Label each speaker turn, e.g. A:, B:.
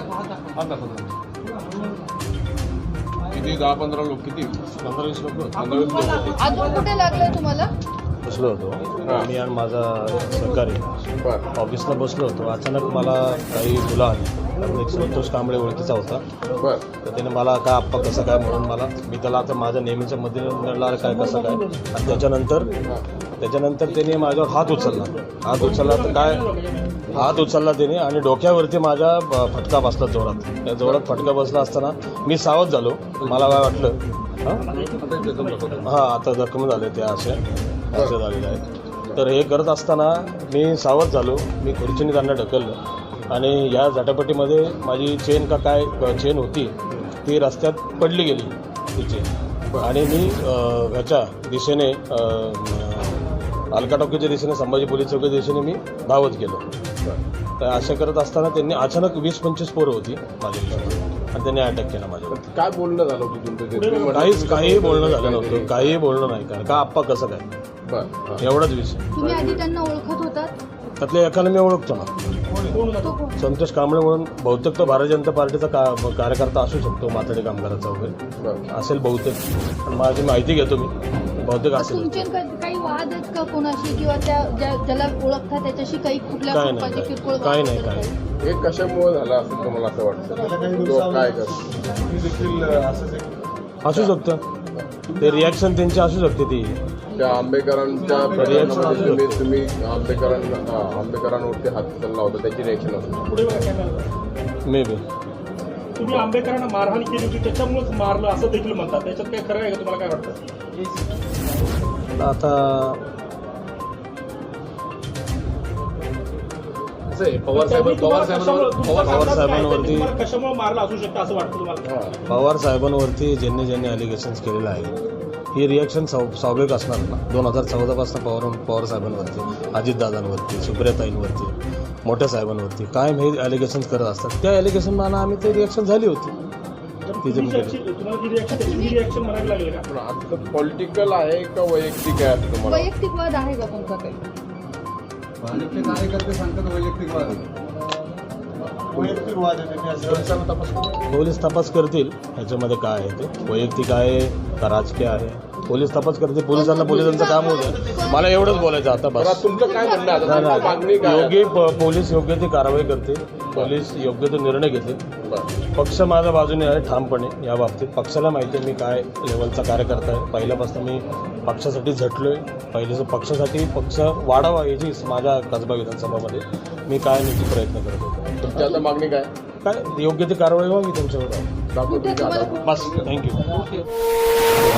A: किती 10-15 लोक किती 15-20 लोक 15-20 लोक होते.
B: अजून कुठे लागलंय तुम्हाला?
C: बसलो होतो मी आणि माझा सहकारी ऑफिसला बसलो होतो. अचानक मला काही मुलं आली. कारण एक संतोष कांबळे ओळखीचा होता. तर त्याने मला काय आप्पा कसं काय म्हणून मला मी त्याला आता माझ्या नेहमीच्या मध्ये नडला काय कसं काय आणि त्याच्यानंतर त्याने माझ्यावर हात उचलला तर काय हात उचलला त्याने आणि डोक्यावरती माझ्या फटका बसला जोरात. त्या जोरात फटका बसला असताना मी सावध झालो. मला काय वाटलं हां आता जखम झाले ते असे झालेले आहेत. तर हे करत असताना मी सावध झालो. मी खुर्चीने त्यांना ढकललं आणि या झटापटीमध्ये माझी चेन का काय चेन होती ती रस्त्यात पडली गेली ती चेन आणि मी ह्याच्या दिशेने अलका टॉकीच्या दिशेने संभाजी पोलीस चौकीच्या दिशेने मी धावत गेलो. तर अशा करत असताना त्यांनी अचानक 20-25 पोरं होती माझ्याकडे आणि त्यांनी अटॅक केला माझ्यावर.
A: काय बोलणं झालं होतं तुमचं?
C: काही बोलणं झालं नव्हतं. काही बोलणं नाही. कारण का आप्पा कसं काय एवढाच विषय.
B: तुम्ही आधी त्यांना ओळखत होतात?
C: त्यातल्या एकाला मी ओळखतो ना,
B: तो कोण?
C: संतोष कांबळे म्हणून. बहुतेक तो भारतीय जनता पार्टीचा कार्यकर्ता असू शकतो. माथाडी कामगाराचा वगैरे असेल बहुतेक. पण माझी माहिती घेतो मी. बहुतेक असेल.
B: तुमचे काही वाद आहेत का कोणाशी किंवा ज्याला ओळखता त्याच्याशी काही कुठल्या प्रकारचे किरकोळ
C: काही नाही.
A: हे कशामुळे झालं असं तुम्हाला असं वाटतं? काय
C: असू शकतं. ते रिॲक्शन त्यांची असू शकते ती.
A: त्या आंबेकरांच्या प्रकरणामध्ये तुम्ही आंबेकरांवरती हात चालला होता त्याची रिॲक्शन असते
C: मे बी.
D: तुम्ही आंबेकरांना मारहाण केली होती त्याच्यामुळेच मारलं असं देखील म्हणतात. त्याच्यात काय खरं आहे का? तुम्हाला काय वाटतं?
C: आता
D: पवार साहेबांवरती कशामुळे मारलं असू शकतं असं वाटतं तुम्हाला?
C: पवार साहेबांवरती ज्यांनी अलिगेशन्स केलेलं आहे ही रिॲक्शन स्वाभाविक असणार ना. 2014 पासून पवार साहेबांवरती, अजितदादांवरती, सुप्रियाताईंवरती, मोठ्या साहेबांवरती कायम हे अलिगेशन्स करत असतात. त्या अलिगेशनला आम्ही ते रिॲक्शन झाली होती.
A: पॉलिटिकल आहे का वैयक्तिक आहे असं तुम्हाला?
B: वैयक्तिक वाद आहे का तुमचा काही?
E: भाजपचे कार्यकर्ते सांगतात वैयक्तिक वाद
C: पोलीस तपास करतील ह्याच्यामध्ये काय आहे ते वैयक्तिक आहे का राजकीय आहे. पोलीस तपास करतील. पोलिसांचं काम होतं. मला एवढंच बोलायचं आता बस.
A: तुमचं काय म्हणणं आहे आता? मागणी काय?
C: पोलीस योग्य ती कारवाई करतील. पोलीस योग्य तो निर्णय घेतील. पक्ष माझ्या बाजूने आहे ठामपणे या बाबतीत. पक्षाला माहिती आहे मी काय लेवलचा कार्यकर्ता आहे. पहिल्यापासून मी पक्षासाठी झटलोय. पक्षासाठी पक्ष वाढावा याची माझ्या कसबा विधानसभामध्ये मी काय नक्की प्रयत्न करत होतो.
A: तुमची आता मागणी काय?
C: काय योग्य ती कारवाई व्हावी त्यांच्यावर. बस थँक्यू.